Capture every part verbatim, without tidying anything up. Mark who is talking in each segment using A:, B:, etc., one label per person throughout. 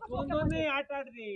A: दोन दोन नाही आठ आठ दे.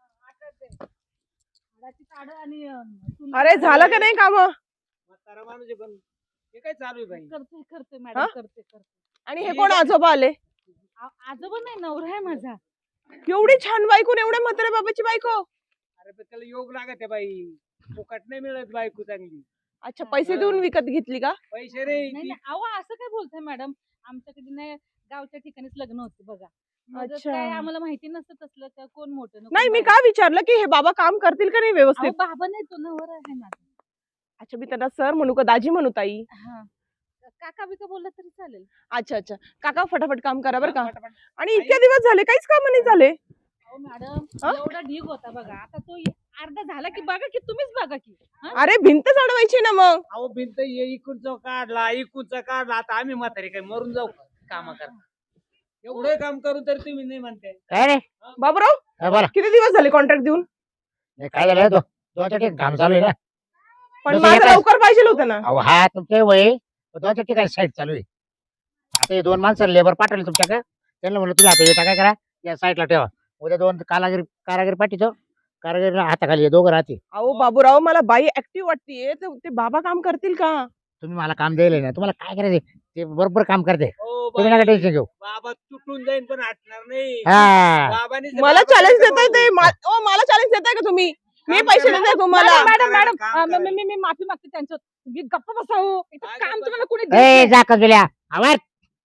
B: अरे झालं का नाही काम?
A: म्हातारा माणूस आहे पण हे काय चालू आहे बाई?
C: करते करते
B: हा?
C: मॅडम करते करते.
B: आणि हे कोण आजोबा आले?
C: आ- आजोबा नाही नवरा आहे माझा.
B: एवढी छान बायको आणि एवढ्या म्हाताऱ्या बाबाची बायको.
A: अरे पण त्याला योग लागत आहे बाई. फुकट नाही मिळत बायको चांगली.
B: अच्छा, पैसे देऊन विकत घेतली का?
A: पैसे रे
C: नाही नाही अहो असं काय बोलताय मॅडम, आमच्याकडे नाही गावच्या ठिकाणीच लग्न होते बघा. मग
B: अच्छा.
C: काय आम्हाला माहिती नसतं तसलं का कोण मोठं ना
B: नाही,
C: कोण
B: मी
C: बारीक.
B: का विचारलं की हे बाबा काम करतील का नाही
C: अहो,
B: व्यवस्थित?
C: बाबा नाही तो नवरा आहे माझा.
B: अच्छा, मी त्यांना सर म्हणू का दाजी म्हणू ताई?
C: हा काका बिका बोलला तरी चालेल.
B: अच्छा अच्छा, काका फटाफट काम करा बरं का.
A: पटापट.
B: आणि इतक्या दिवस झाले काहीच काम नाही झाले.
C: अहो मॅडम
B: हा?
C: एवढा ढीग होता बघा, आता तो अर्धा झाला की बघा की तुम्हीच बघा की. हा?
B: अरे भिंत चढवायची ना मग.
A: अहो भिंत ये इकडचा काढला इकडचा काढला आता आम्ही म्हातारे काय मरून जाऊ काम करा. एवढं काम करून तरी तुम्ही नाही म्हणताय.
D: काय रे
B: बाबूराव,
D: काय बोला
B: किती दिवस झाले कॉन्ट्रॅक्ट देऊन?
D: हे काय झालं दो दोन चार ठिकाणी काम चालू आहे ना.
B: पण
D: जसं
B: माझं
D: एका-
B: लवकर पाहिजे होतं ना.
D: अहो हा तुमचे वय दोन चार ठिकाणी साईट चालू आहे. आता हे दोन माणसं लेबर पाठवले तुमच्याकडे, त्यांना म्हणलं तुम्ही आता येता काय करा या साईडला ठेवा. उद्या दोन कारागिरी कारागिरी पाठीतो, कारागिरी हाताखाली हे दोघं राहते.
B: अहो बाबूराव, मला बाई ऍक्टिव्ह वाटतेय, तर ते बाबा काम करतील का?
D: तुम्ही मला काम द्यायला ना, तुम्हाला काय करायचं ते बरोबर काम करते.
A: हो
D: तुम्ही
A: बाई,
D: नका टेन्शन घेऊ.
A: बाबा तुटून जाईन पण हटणार नाही.
D: हा
A: बाबांनी जर
B: मला
A: बाबा
B: चॅलेंज
A: केलं
B: देताय ते?
A: भाऊ.
B: मा- ओ, मला चॅलेंज देताय का तुम्ही? मी
A: काम
B: पैसे
A: करा.
B: देते तुम्हाला.
C: मॅडम मॅडम
A: करायला,
C: मॅडम
A: काम
C: अं, मी-
A: करायला.
C: मी मी माफी मागते त्यांचं. तुम्ही गप्प बसावं. इथं
A: काय
C: काम
A: गप्प
C: तुम्हाला कोणी देत
D: ए
C: नाही.
D: जा कजुल्या आवाज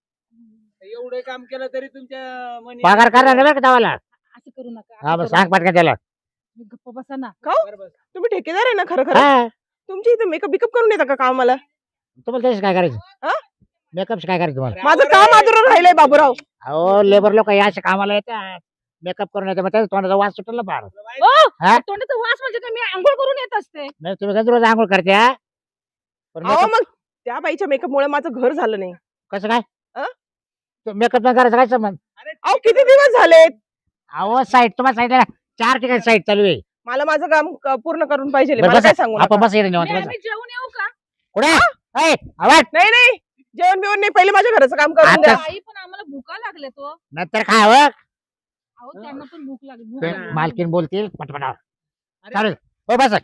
A: एवढं काम केलं तरी तुमच्या मनी
D: पगार करणार नाही बरं का तवाला.
C: असं करू नका
D: हा
C: असं
D: मग
C: करू
D: सांग
C: नका.
D: पटकन त्याला.
C: तुम्ही गप्प बसा ना.
A: बरोबर.
B: तुम्ही ठेकेदार आहे ना खरं खरं?
D: हा
B: तुमची इथे मेकअप बिकअप करून येता का कामाला?
D: तुम्हाला त्याच काय करायचं
B: हा?
D: मेकअप काय करायचं तुम्हाला?
B: माझं
A: अरे,
B: काम अधुरं राहिलंय बाबूराव.
D: अहो लेबर लोक या अशा कामाला येतात, मेकअप करून येतात, मग त्याचा तोंडाचा वास सुटला फार.
C: ओ,
D: हा?
C: तोंडाचा वास म्हणजे काय, मी आंघोळ करून येत असते.
D: नाही तुम्ही कसं रोज आंघोळ करते हा? पण
B: अहो
D: makeup
B: मग त्या बाईच्या मेकअप मुळे माझं घर झालं नाही.
D: कसं काय
B: अ?
D: मेकअप नाही करायचं काय संबंध?
A: अरे,
B: अहो किती दिवस झालेत?
D: अहो साईट तुम्हाला सांगितलं ना, चार ठिकाणी साईट चालू आहे.
B: मला माझं काम क- पूर्ण करून पाहिजे.
D: बरं
B: मला
D: बसा.
B: काय सांगू
D: आपण
B: नका.
D: बस येते
C: मी-
D: निवांत बसा.
C: आम्ही जेवून येऊ का?
D: कुठे ए, आवाज
B: नाही नाही, जेवण बिवण नाही, पहिले माझ्या घराचं काम करून द्या.
D: आता-
C: आई पण आम्हाला भूका लागले तो.
D: नंतर खावं.
C: अहो त्यांना पण भूक लागली भूक
D: ते
C: लागली.
D: मालकीन बोलतील पटपट
A: अरे.
D: चालेल हो बस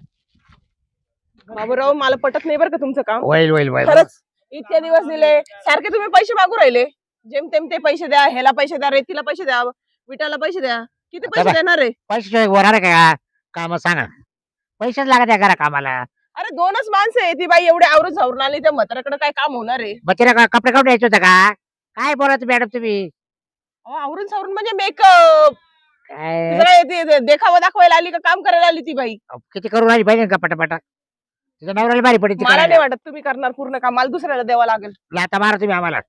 B: बाबूराव, मला पटत नाही बरं का तुमचं काम.
D: होईल होईल होईल
B: खरंच इतके दिवस दिले, सारखे तुम्ही पैसे मागू राहिले. जेमतेम ते पैसे द्या, ह्याला पैसे द्या, रेतीला पैसे द्या, विटाला पैसे द्या. किती पैसे
D: बघा.
B: देणार आहे?
D: पैसे होणार आहे का काम सांगा. पैसेच लागत आहे करा कामाला.
B: अरे दोनच माणसं आहे, ती बाई एवढे आवरून झावरून आली, त्या म्हाताऱ्याकडे काय काम होणार आहे?
D: मग तिला का- कपडे काढून द्यायचे होते का? काय बोलायचं मॅडम तुम्ही
B: अहो, आवरून सावरून म्हणजे मेकअप
D: काय
B: देखावा दाखवायला आली का काम करायला आली ती बाई?
D: किती करून राहिली पाहिजे का पटापटा. तिच्या नवऱ्याला भारी पडते
B: मला नाही वाटत तुम्ही करणार पूर्ण काम. मला दुसऱ्याला द्यावं लागेल.
D: आता मारा तुम्ही आम्हाला.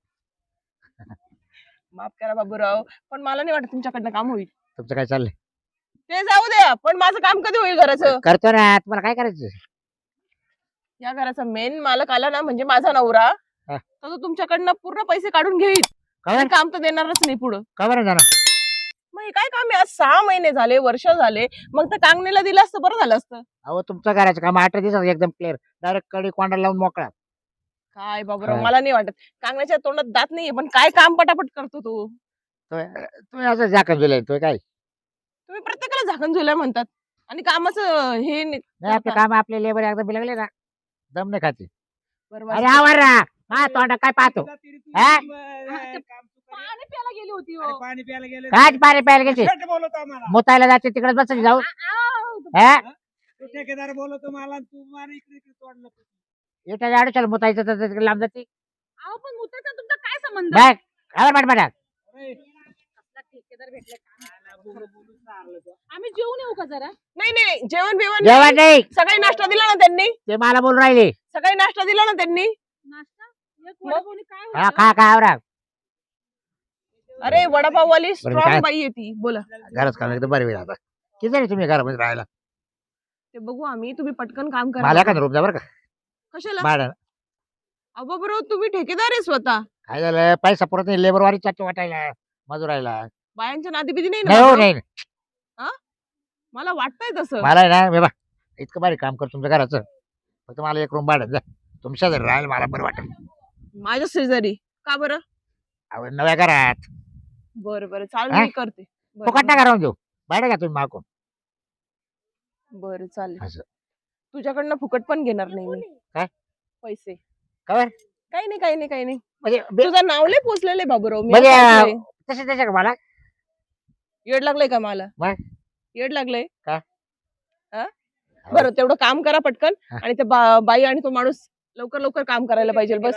B: माफ करा बाबूराव, पण मला नाही वाटत तुमच्याकडनं काम होईल.
D: तुमचं काय चाललंय?
B: ते जाऊ द्या, पण माझं काम कधी होईल घराचं?
D: करतो ना, तुम्हाला काय करायचं?
B: या घराचा मेन मालक आला ना, म्हणजे माझा नवरा,
D: हा.
B: तर तो तुमच्याकडनं पूर्ण पैसे काढून घेईल.
D: कवर
B: आणि काम तर देणारच नाही पुढं.
D: कवर जाणार.
B: मग हे काय काम आहे? आज सहा महिने झाले, वर्ष झाले, मग तर कांगणीला दिलं असतं बरं झालं असतं.
D: अहो तुमचं करायचं काम आठ दिवसात एकदम क्लिअर, डायरेक्ट कडी कोंडा लावून मोकळा.
B: काय बाबूराव,
D: हा.
B: मला नाही वाटत. कांगण्याच्या तोंडात दात नाहीये, पण काय काम पटापट करतो तो.
D: तो- तुम्ही असं झाकण दिलंय तो काय
B: तुम्ही प्रत्येकाला झाकण झुल्या म्हणतात आणि कामाचं हे नाही.
D: नाही. आपलं काम आपले लेबर एकदा बिलगले ना, दम नाही खाते.
B: बरोबर.
D: अरे आवर ना, हा तोंडा काय पाहतो. हा?
C: पाणी प्यायला गेली होती हो.
A: पाणी प्यायला गेले
D: काय पाणी प्यायला गेली
A: खोटं बोलवतो आम्हाला.
D: मुतायला जाते तिकडे बसायची जाऊ.
C: आव.
D: हा
A: तू ठेकेदार बोलवतो मला आणि तू मला इकडे इकडे तोडलं तू.
D: इटा आडूच्याला मुतायचं तर तिकडे लांब जाते.
C: अहो पण मुताचा तुमचा काय संबंध?
D: बघ आवर पट पटात.
A: अरे,
C: कसला ठेकेदार भेटला काय माहिती.
A: आला बोलू बोलू सारलं तो.
C: आम्ही जेवून येऊ का जरा?
B: नाही नाही नाही, जेवण बिवण
D: जेवण
B: नाही.
D: नाही,
B: सकाळी नाश्ता दिला ना त्यांनी.
D: ते मला बोलून राहिले.
B: सकाळी नाश्ता दिला ना त्यांनी.
C: नाश्ता एक वडापावनी काय
D: हा
C: होतं?
D: खा खा आवरा.
B: अरे वडापाववाली
D: बरं,
B: स्ट्रॉंग
D: काय?
B: बाई आहे ती. बोला.
D: घरात काम एकदम बरे वेळ आता. किती जणी तुम्ही घरामध्ये राहायला?
B: ते बघू आम्ही. तुम्ही पटकन काम
D: मला
B: करा.
D: का रूम जा बरं का
B: कशाला?
D: भाडं.
B: अहो बरोबर, तुम्ही ठेकेदार आहे स्वतः.
D: काय झालं, पैसा पुरत नाही. लेबर वारी चाटू वाटायला मजुरायला.
B: बायांच्या नादी बिदी नाही
D: नाही हो
B: ना?
D: नाही.
B: मला वाटतंय तसं.
D: मला आहे ना बाबा इतकं भारी काम करतो तुमच्या घराचं, फक्त मला एक रूम भाडं द्या. तुमच्या जर राहायला मला बरं वाटेल.
B: माझ्या शेजारी का बरं?
D: अहो, नव्या घरात
B: बरं बरं, चालेल,
D: हा?
B: मी करते.
D: फुकट नाही करून देऊ बाहेर घ्या तुम्ही मागून
B: बरं चालेल
D: असं.
B: तुझ्याकडनं फुकट पण घेणार नाही मी
D: काय?
B: पैसे
D: काय
B: काही नाही काही नाही काही नाही
D: म्हणजे बे-
B: तुझं नाव लय पोचलेलं आहे बाबूराव मी
D: म्हणजे,
B: असं ऐकलंय.
D: तसे त्याच्या का मला
B: येड लागलंय का मला
D: काय?
B: येड लागलंय
D: काय?
B: हा? बरं तेवढं काम करा पटकन
D: हा.
B: आणि ते बा- बाई आणि तो माणूस लवकर लवकर काम करायला पाहिजे बस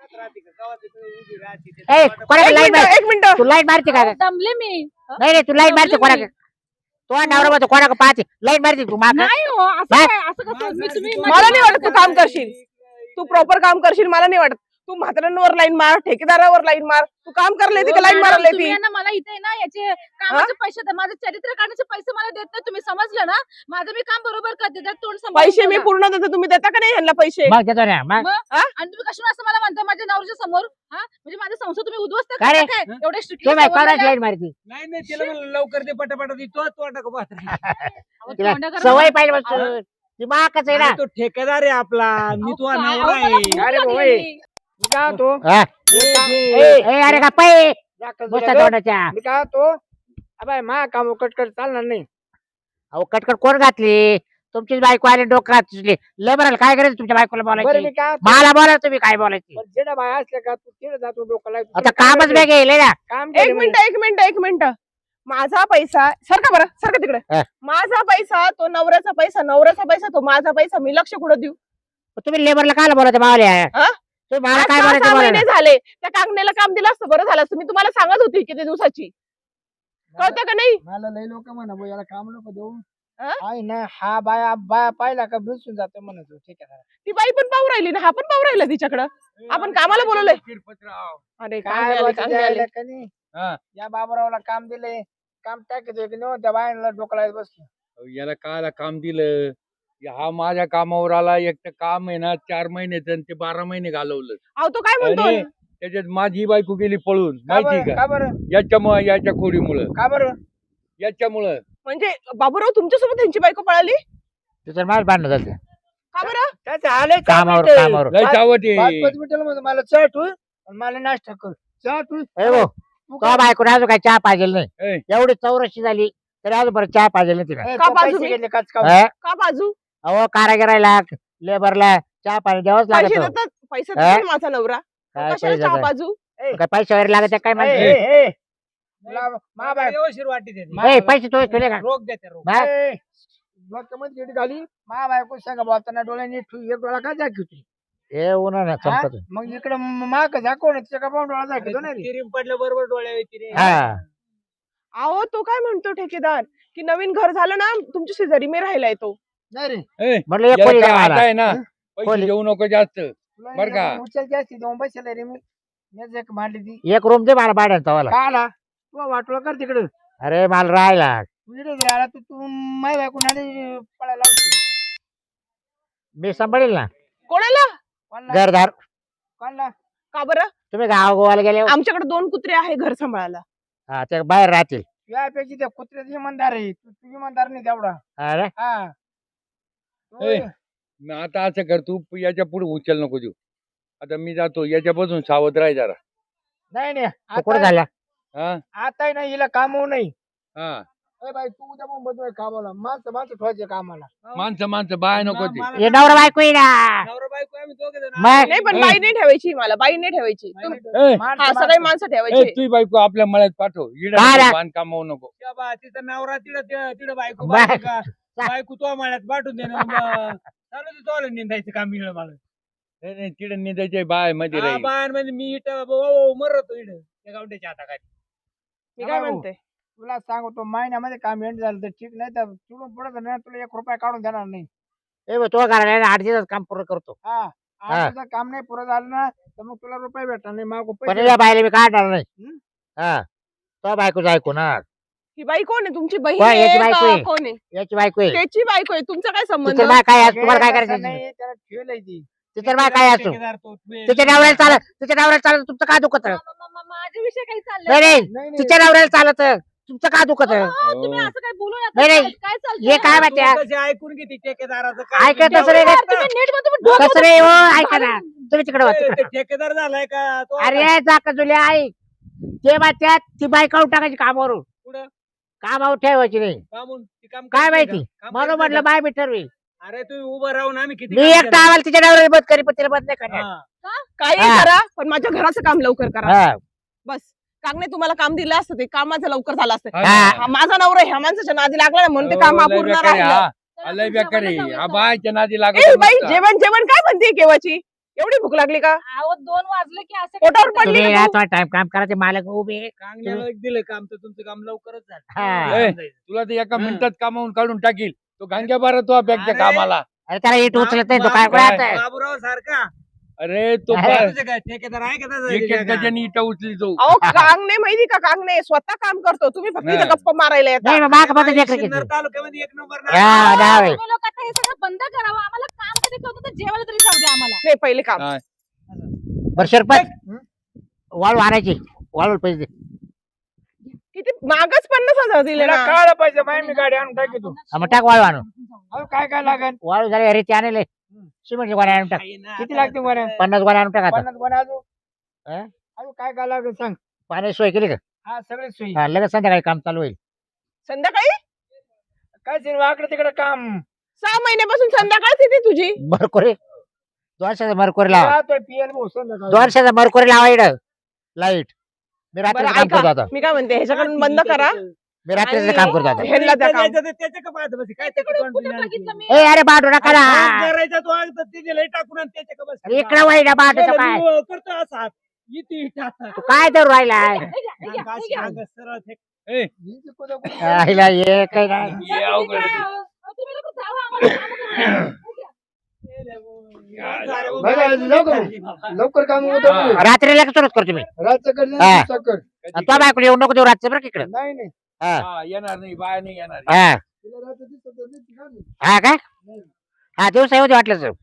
D: ए कोणा
B: एक
D: लाईट
B: मिनिट
D: मार
B: एक मिनिट
D: तू लाईट मारते का
C: अहो, दमले मी
D: नाही नाही तू लाईट मारते
C: दमले
D: कोणा तो नवरा म्हणतो कोणा पाहते लाईट मारते तू माग
C: नाही हो असं
D: काय?
C: काय असं कसं मी तुम्ही
B: मला नाही वाटत तू काम करशील तू प्रॉपर काम करशील मला नाही वाटत तू म्हाताऱ्यांवर लाईन मार ठेकेदारावर लाईन मार तू काम करायला येते का लाईन मारायला
C: तुम्ही
B: येते
C: यांना मला इथे ना याचे कामाचे पैसे द्या माझं चरित्र काढण्याचे पैसे मला देत नाही तुम्ही समजलं ना माझं मी काम बरोबर करते त्यात तोंड सांभाळून
B: पैसे मी
C: बोला.
B: पूर्ण देतो तुम्ही देता का नाही ह्यांना पैसे
D: मग देतो ना मग
C: मग? आणि तुम्ही कशाला असं मला म्हणता माझ्या नवऱ्याच्या समोर हा म्हणजे माझा संसार तुम्ही उद्ध्वस्त
D: काय रे?
C: करता काय एवढे strictly
D: तो बाई
C: सवरलेलं
D: कोणाची
C: आहे?
D: लाईट मारते
A: नाही नाही तिला म्हणलं लवकर ते पटापटा ती तो तो टाक पाहत
C: अहो,
D: तिला
C: तोंड करा
D: सवय
C: ना.
D: पाहिजे बस ती माकच आहे ना
A: तो ठेकेदार आहे आपला मी
C: अहो,
A: तो
C: काय-
A: नवरा
C: अहो, मला
A: आहे
C: भूक
E: अरे भाऊ,
C: लागलेली.
E: मी काय होतो
D: हा.
E: ए,
D: ए अरे का पाय
E: जाकच
D: बसता
E: दिलं गं.
D: तोंडाच्या
E: मी काय होतो अबाय मा काम कटकट चालणार नाही
D: अहो कटकट कोण घातली तुमचीच बायको आली डोकं घातली लय बरं काय करायचं तुमच्या बायकोला
E: बरं
D: बोलायची
E: मी काय होतो,
D: मला बोला तुम्ही काय बोलायची
E: पण जेडा बाय असले का तू तिकडे जातो डोकं लावतो.
D: आता
E: तुला
D: कामच
E: काय
D: वेगळे गेले ना
E: काम
B: एक
E: केलं
B: मिनिट एक मिनिट एक मिनिट माझा पैसा सरका बरं सरका तिकडे
D: हा.
B: माझा पैसा तो नवऱ्याचा पैसा नवऱ्याचा पैसा तो माझा पैसा मी लक्ष कुठं देऊ
D: तुम्ही लेबरला काय बोलायचं मावल्या
B: हा?
D: तुम्ही मला
B: आज
D: काय
B: सहा-
D: बोलायचं
B: सहा
D: बोला
B: महिने झाले त्या कांगण्याला काम दिलं असतं बरं झालं असतं मी तुम्हाला सांगत होती किती दिवसाची कळतं का नाही
E: मला लय लोक म्हणा भाऊ याला काम नको देऊ
B: हा?
E: आहे ना हा बाया बाया पाहिला का बिलसून जातो म्हणतो ठीक आहे
B: ती बाई पण पाहू राहिली ना हा पण पाहू राहिला तिच्याकडं आपण कामाला बोलवलंय.
A: शिरपतराव.
B: अरे
E: काय
B: कांगणे आले,
E: बोलायचं
B: कांगणे आले.
E: त्याला का नाही?
A: हा.
E: या बाबरावला काम दिले काम टाकायचं की नाही त्या बायांना डोकं लावत बसलो
F: अहो, याला कायला काम दिलं हा माझ्या कामावर आला एक तर काम आहे ना चार महिन्याचं आणि ते बारा महिने घालवलं
B: अहो तो काय म्हणतो
F: आणि त्याच्यात माझी बायको गेली पळून
E: का
F: माहिती
E: बरं
F: का
E: का बरं
F: याच्यामुळं याच्या खोडीमुळं
E: का बरं
F: याच्यामुळं
B: म्हणजे बाबूराव तुमच्यासोबत त्यांची बायको पळाली
D: तिथं माझ भांडणं झालं
B: का बरं
E: त्याचं आलंय
D: कामावर कामावर
F: लय चावट
E: पाच
F: आहे
E: पाच मिनिटाला म्हणतो मला चहा ठेव आणि मला नाश्ता कर चहा ठेव
D: ए भाऊ
E: तू
D: तो बायको अजून काय चहा पाहिजे नाही
F: ए.
D: एवढी चौरशी झाली तरी अजून बरं चहा पाहिजे नाही तिला
E: ए,
B: का
E: तो
B: बाजू
E: पैसे
B: मी?
E: घेतले काच का
D: हा?
B: का बाजू
D: अहो कारागिरायला लेबरला चहा पाणी द्यावंच
B: पैसे
D: लागत
B: देतात पैसे
D: हा?
B: देतात माझा नवरा
D: काय
B: कशाला
D: पैसे
B: चहा
D: देतात?
B: बाजू
D: काय पैसे वगैरे लागत काय
E: ए,
D: म्हणते
E: ए, ए. तुला मा बाय
A: व्यवस्थित वाटी देते
E: मा-
D: ए पैसे तो तुले का
A: रोग देते रोग
D: हा?
E: ए, डोक्यामध्ये गेडी घाली मा बायको सांगा बोलताना डोळ्याने ठेव, एक डोळा काय दाखवते
D: हे उन्हा ना चमकत
E: मग इकडे माग दाखव ना तिच्या का पाहून डोळा दाखवतो ना रे
A: तिरीम पडल्या बरोबर डोळ्या येते रे
D: हा
B: अहो तो काय म्हणतो ठेकेदार की नवीन घर झालं ना तुमच्या शेजारी मी राहिलाय तो
E: नाही रे
F: ए,
D: म्हटलं एक
F: याला
D: कोणी
F: काय
D: द्या
F: आता
D: मला.
F: आहे ना पैसे
D: खोली.
F: देऊ नको जास्त
E: तुला
F: बरं का?
E: उचल जास्ती देऊन बसला रे मी मीच एक मांडली ती
D: एक रूम दे मला भाड्यानं तवाला
E: का आला तू वाटलं कर तिकडं
D: अरे मला राहायला
E: तू इकडे जर आला तर तू माय बायको नादी पळायला लावशील.
D: मी सांभाळेल ना
B: कोणाला
E: कोणला
D: घरदार
E: कोणला
B: का बरं
D: तुम्ही गाव गोवाला गेले हो?
B: आमच्याकडे दोन कुत्रे आहे घर सांभाळायला
D: हा ते बाहेर राहतील
E: यापैकी त्या कुत्र्याचा इमानदार आहे तू तू इमानदार नाही तेवढा
D: अरे
E: हा तू-
F: ए. मग आता असं कर तू याच्या पुढे उचल नको देऊ आता मी जातो याच्यापासून सावध राह जरा
E: नाही नाही
D: तू कुठं
E: आता
D: झाला
F: हा
E: आता नाही हिला काम होऊ नाही
F: हा
E: ए बाई तू उद्या पण बदल कामाला माणसं माणसं ठेवायचे कामाला
F: माणसं माणसं बाय नको ते
D: हे नवरा बायको आहे ना
A: नवरा बायको आम्ही दोघे जण
D: मग?
B: नाही पण
F: ए.
B: बाई नाही ठेवायची मला बाई नाही ठेवायची तुम-
F: ए,
E: माणसं-
B: हा सगळे
E: माणसं.
B: माणसं
F: ए,
B: ठेवायची
F: तुझी बायको आपल्या मळ्यात पाठव इड
D: काय रे?
F: बांधकाम होऊ नको
A: त्या बा तिचा नवरा तिथं तिथं बायको
D: बाय.
A: बायको का बायको तो माळ्यात पाठवून दे ना मग. चालू दे तोला निंदायचं काम मिळलं मला
F: नाही नाही तिड निघायचे बाय मध्ये
A: हा,
F: राहील
A: बायांमध्ये मी इट मरतो इड त्या गावट्याच्या हाताखाली
B: मी काय
E: हो.
B: म्हणते
E: तुला सांगतो महिन्यामध्ये काम एंड झालं तर ठीक नाही तर तिकडून पुढे ना तुला एक रुपया काढून देणार नाही
D: ए बा, तो घराला आठ दिवस काम पूर्ण करतो
E: हा
D: हा.
E: आज तुझं काम नाही पुरं झालं ना तर मग तुला रुपये भेटणार नाही मागू
D: पण
E: पैसे
D: या बायला मी काढणार नाही
E: हं?
D: हा तो बायकोच ऐकू ना
B: ही बाई कोण आहे तुमची बहीण
D: कोण?
B: आहे
D: याची बायको
B: का
D: आहे.
B: कोण आहे
D: याची बायको आहे
B: त्याची बायको आहे तुमचा काय संबंध
D: तिचं बाय काय असं-
E: अगे,
D: तुम्हाला काय
E: तसं
D: करायचं
E: नाही त्याला ठेवलंय ती
D: तिचं बाय काय असतो
A: ठेकेदार तो, तू-
D: तिच्या नवऱ्याला चालत तिच्या नवऱ्याला चालत तुमचं काय दुखत
C: मा- मा- मा- माझ्याविषयी काही
D: नाही
C: चाललंय
D: नाही
E: नाही नाही
D: तिच्या नवऱ्याला चालत तुमचं काय दुखत
C: अहो, तुम्ही
F: हो.
C: असं काही बोलू नका
D: नाही, नाही.
C: काय- काय चाललंय?
D: हे काय
A: तू
D: माहिती
A: कशी ऐकून घेते ठेकेदाराचं
D: ऐकत
A: काय
D: तसं रे
C: यार, तुम्ही नीट मध्ये तुम्ही डोकं
D: कसं रे हो ऐका ना तुम्ही तिकडे
A: ए,
D: वाच
A: ते ठेकेदार झालाय का तो
D: अरे जाका जुले ऐक ते मात्यात ती बाय काढून टाकायची कामावरून
A: कुठं?
D: कामावर ठेवायची नाही
A: का म्हणून ती काम
D: काय
A: करत नाही
D: माहिती?
A: का? काम
D: म्हणून
A: करत
D: म्हटलं
A: नाही
D: बाय मी ठरवी
A: का? अरे तुम्ही उभं राहून आम्ही किती
D: मी
A: काम
D: एकटा
A: केलं?
D: आम्हाला तिच्या डावर बंद करी पण तिला बंद नाही करणार
A: हा.
B: काही
D: हा.
B: करा पण माझ्या घराचं काम लवकर करा
D: हा.
B: बस कागणे तुम्हाला काम दिलं असतं ते काम माझं लवकर झालं असतं
F: हा
D: हा.
F: ना.
B: हा, माझा नवरा ह्या माणसाच्या नादी लागला ना म्हणून ते काम
F: हो, लय
B: अपूर्ण
F: बेकार आहे,
B: राहिलं
F: हा.
C: तर
F: लय
C: तुमच्या
F: बेकार आहे.
C: मनात
F: हा
C: हवं
F: बायच्या नादी
B: ए
F: लागत
B: बाई
F: नुसता.
B: जेवण जेवण काय म्हणते केव्हाची एवढी भूक लागली का
C: अहो, दोन वाजले की असं
B: पोटावर
C: काय
B: पडली
D: तुम्ही
B: का
D: या
B: तू?
D: थोडा टाइम काम करायचे मालक उभे आहे.
A: कांगण्याला एक दिलं काम तर तुमचं काम लवकरच झालं
D: हा.
F: ए,
A: समजायचं.
F: तुला ते एका
A: हा.
F: मिनिटात कामावून काढून टाकील तो गांग्या बारा तो बँकच्या
A: अरे.
F: कामाला
D: अरे त्याला इट उचलत नाही तो काय
A: बाबू-
D: राहत
A: बाबूराव सारखा
F: अरे तो
D: आहे.
F: पा-
A: तुझं काय ठेकेदार आहे का त्याचा
F: एक एक
A: त्याच्या
F: गजाने इटा उचली तो
B: अहो कांगणे माहिती का कांगणे स्वतः काम करतो तुम्ही फक्त
F: हा.
B: इथं गप्पा मारायला येता
D: नाही माग
A: गावात?
D: बघ लेकर
A: सिन्नर
D: किती
A: तालुक्यामध्ये एक नंबर
D: हा,
A: नाव.
D: नाव आहे.
C: तुम्ही लोक आता हे सगळं बंद करावं आम्हाला काम कधी करतो तर जेवायला तरी जाऊ द्या आम्हाला
B: नाही पहिले काम
F: हा.
D: बरं सरपंच वाळू आणायची वाळू पैसे दे.
B: किती मागच पन्नास हजार दिले
E: तुला
B: ना
E: कळायला पाहिजे माय मी गाडी आणून टाकी तू
D: हा, मग टाक वाळू आणू
E: अहो काय काय लागेल
D: वाळू झाले रेती आणले सिमेंटची गोण्या आणून टाक
A: आहे ना,
E: किती
A: आता
E: लागते बरं?
A: कसं-
D: पन्नास गोण्या आणून टाक आता
E: पन्नास कोण अजून
D: हा?
E: अजून काय काय लागेल सांग
D: पाण्याची सोय केली का
E: हा सगळे सोयी
D: हा, लगेच संध्याकाळी काम चालू होईल
B: संध्याकाळी
E: काय सिनेमा वाकडे तिकडे काम
B: सहा महिन्यापासून संध्याकाळच येते तुझी
D: मरकोरी दोनशेचा मरकोरी लावा
E: राहतोय पीएल भाऊ संध्याकाळी.
D: दोनशेचा मरकोरी लावा इकडं लाईट मी रात्रीचं
B: बरं
D: काम करतो
B: ऐका
D: आता
B: मी काय म्हणते ह्याच्याकडून बंद करा
D: मी रात्रीचं
B: आणि-
D: काम करतो आता
B: ह्यांना द्या काम.
A: त्याच्या- त्याच्या का पाहत बसी? काय त्याची
C: तिकडून कुठे
A: confidence?
C: बघितलं मी
D: ए अरे बाटू नका ना
A: काम करायचं तू आज तर ते दिलंय टाकून आणि त्याच्या का बसी?
D: अरे इकडे वाईट बाटूचं
A: गेलं
D: काय
A: मी करतो असा हात. इथे इथे आता.
D: तू काय धरू राहिलाय
C: हे घ्या, हे घ्या, हे
A: अशी
C: घ्या.
A: अंग सरळ फेक.
F: ए,
E: ही जी कुठं कुठं-
D: आईला ये काय नाही
F: हे अवघड आहे.
C: अहो, तुम्ही लोकं जावा आम्हाला कामं करू द्या.
E: बघा, लवकर लवकर काम होत
F: हा.
D: रात्री लगेच सुरुवात करतो मी
E: रातचं कर नाही,
D: हा.
E: दिवसाचं कर
D: आणि तो बायको येऊ नको देऊ रातचं बरं का इकडं
E: नाही नाही
D: हा
F: हा, येणार नाही बाया नाही येणार
D: हा
E: तिला रात्र दिसत नाही, ती घाल.
D: हा काय हा दिवसा येऊ दे वाटलं सर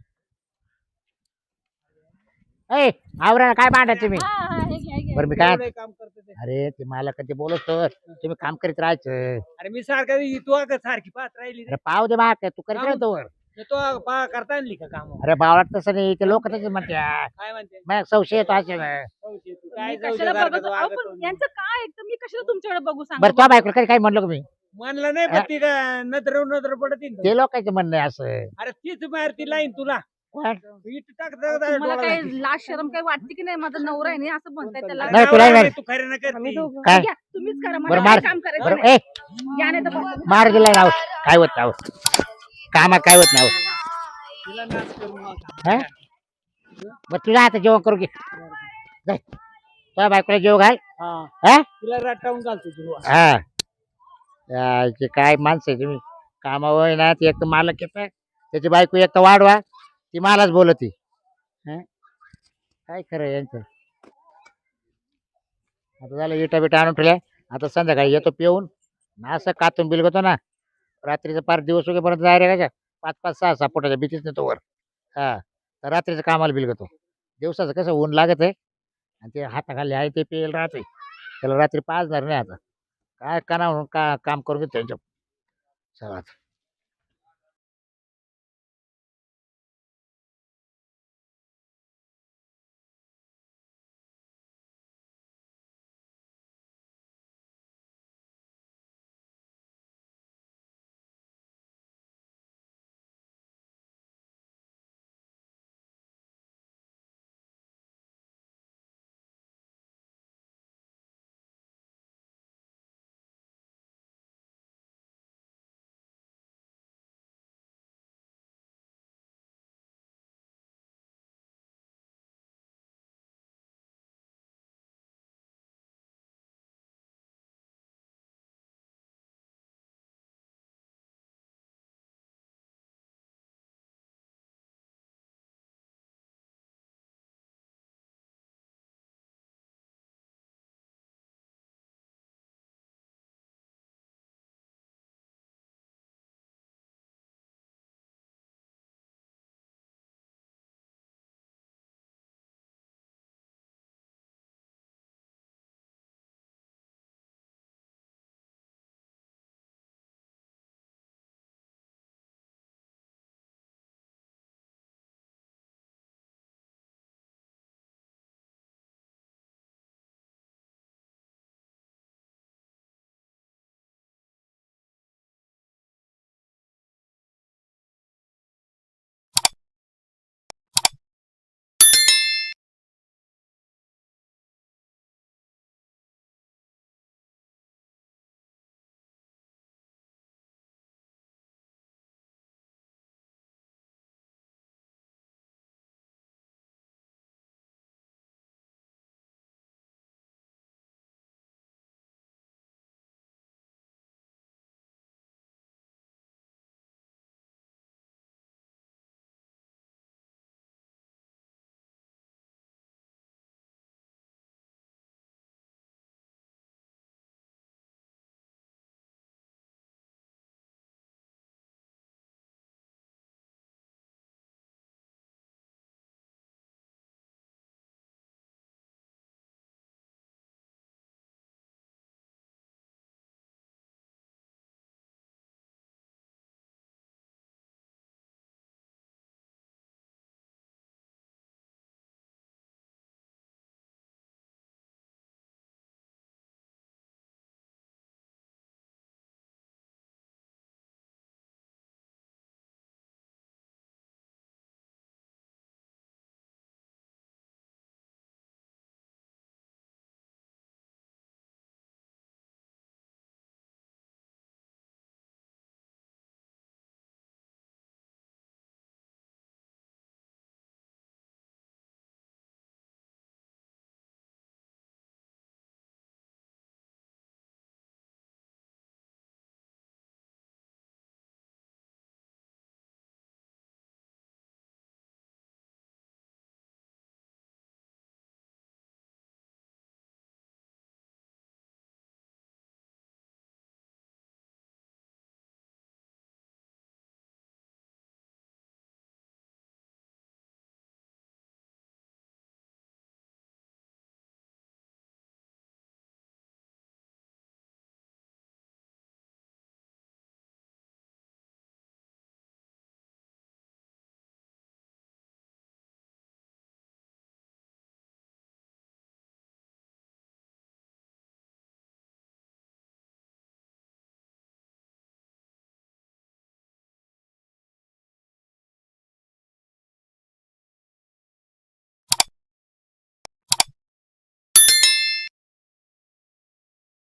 D: ए आवरा काय मांडा तुम्ही
C: हा, हा, हे घ्या, हे घ्या.
D: बरं मी काय
A: एवढं काम करतो ते.
D: अरे ते मला कधी बोलत तर तुम्ही काम करीत राहायचं
A: अरे मी सारखं तू अगं सारखी पाहत राहिली रे.
D: अरे पाव दे माग तू करीत राहतो वर
A: तो अगं पा करता आणली का काम
D: अरे बावळात तसं नाही ते लोक तसे म्हणते
A: काय म्हणते
D: मग संशय येतो असे
A: चौशे तू काय
C: मी
A: चौशे
C: कशाला
A: सारखं
C: बघत
A: तू
C: अहो,
A: वागत
C: पण
A: होती.
C: यांचं काय ऐकतं मी कशाला तुमच्याकडे बघू सांगा
D: बरं तो बायको कधी काय म्हणलं का मी
A: म्हणलं नाही पण ती का नत्र नत्र पडत येईन.
D: ते लोकांचं म्हणणं आहे असं
A: अरे तीच मारती लाईन तुला
D: कोण?
A: इट टाक टाक- टाक-
C: मला
A: डोळा
C: काय
A: लागेल.
C: लाज शरम काय वाटते की नाही माझा नवरा आहे नाही असं म्हणताय त्याला
A: अरे
D: नाही, तुला
A: नवरा
D: नाही.
A: आहे, तू खरं ना
B: आम्ही
A: करती.
B: दोघं.
D: काय
C: घ्या, तुम्हीच करा
D: बरं
C: मला
D: मार
C: काय काम करायचं
D: बरं
C: नाही.
D: ए
C: या नाही तर बघा.
D: मार दिलाय राव काय होत नाही होत. कामात काय होत नाही होत.
A: तिला नाच करू नका.
D: हा? बरं तुझ्या आता जेवण करू घे जाय. तुझ्या बायकोला जेव घाल
A: हा.
D: हा
A: तिला रटावून घालतो तू
D: हा याचे काय माणसं आहे तुम्ही कामावर आहे ना ती एक तर मालक येत त्याची बायको एक तर वाढवा ती मलाच बोलती हं? काय खरं आहे यांचं आता झालं इटा बिटा आणून ठेवल्या आता संध्याकाळी येतो पिऊन ना असं कातून बिलगतो ना रात्रीचं पाच दिवस उगेपर्यंत जाय रे का पाच पाच सहा सहा पोटाच्या भीतीच नेतो वर हा तर रात्रीचं कामाला बिलगतो दिवसाचं कसं ऊन लागत आहे आणि ते हाताखाली आहे ते पेल राहते त्याला रात्री पाचणार नाही आता काय करा म्हणून का काम करून घेतो त्यांच्या चला आता.